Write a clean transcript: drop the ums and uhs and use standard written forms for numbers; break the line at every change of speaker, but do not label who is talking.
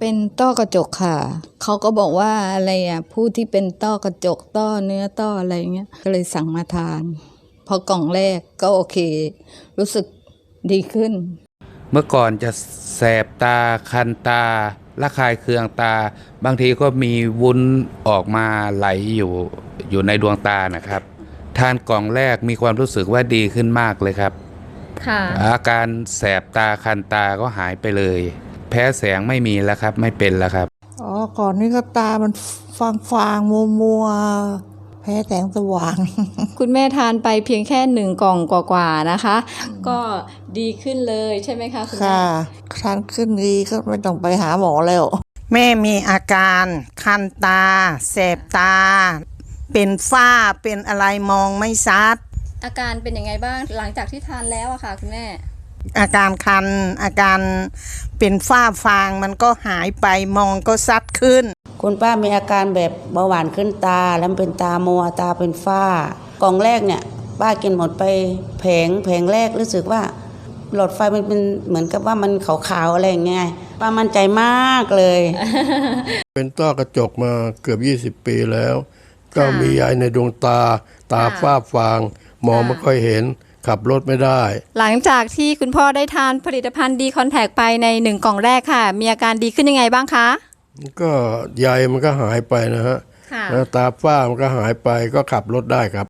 เป็นต้อกระจกค่ะเขาก็บอกว่าอะไรผู้ที่เป็นต้อกระจกต้อเนื้อต้ออะไรเงี้ยก็เลยสั่งมาทานพอกล่องแรกก็โอเครู้สึกดีขึ้น
เมื่อก่อนจะแสบตาคันตาระคายเคืองตาบางทีก็มีวุ้นออกมาไหลอยู่ในดวงตานะครับทานกล่องแรกมีความรู้สึกว่าดีขึ้นมากเลยครับ
ค่ะ
อาการแสบตาคันตาก็หายไปเลยแพ้แสงไม่มีแล้วครับไม่เป็นแล้วครับ
ก่อนนี้ก็ตามันฟางมัวแพ้แสงสว่าง
คุณแม่ทานไปเพียงแค่1 กล่องกว่าๆนะคะ ก็ดีขึ้นเลยใช่ไหมคะคุณแม่
ค่ะทานขึ้นดีก็ไม่ต้องไปหาหมอแล้ว
แม่มีอาการคันตาแสบตาเป็นฝ้าเป็นอะไรมองไม่ชัด
อาการเป็นยังไงบ้างหลังจากที่ทานแล้วอะค่ะคุณแม่
อาการคันอาการเป็นฝ้าฟางมันก็หายไปมองก็ชัดขึ้น
คุณป้ามีอาการแบบเบาหวานขึ้นตาแล้วเป็นตามัวตาเป็นฝ้ากล่องแรกเนี่ยป้ากินหมดไปแผงแรกรู้สึกว่าหลอดไฟมันเป็นเหมือนกับว่ามันขาวๆอะไรอย่างเงี้ยป้ามั่นใจมากเลย
เป็นต้อกระจกมาเกือบ20 ปีแล้ว ก็มีใยในดวงตาฝ้าฟางมองไม่ค่อยเห็นขับรถไม่ได้
หลังจากที่คุณพ่อได้ทานผลิตภัณฑ์ดีคอนแทคไปใน1 กล่องแรกค่ะมีอาการดีขึ้นยังไงบ้างคะ
ก็ใยมันก็หายไปนะฮะแล้วตาฝ้ามันก็หายไปก็ขับรถได้ครับ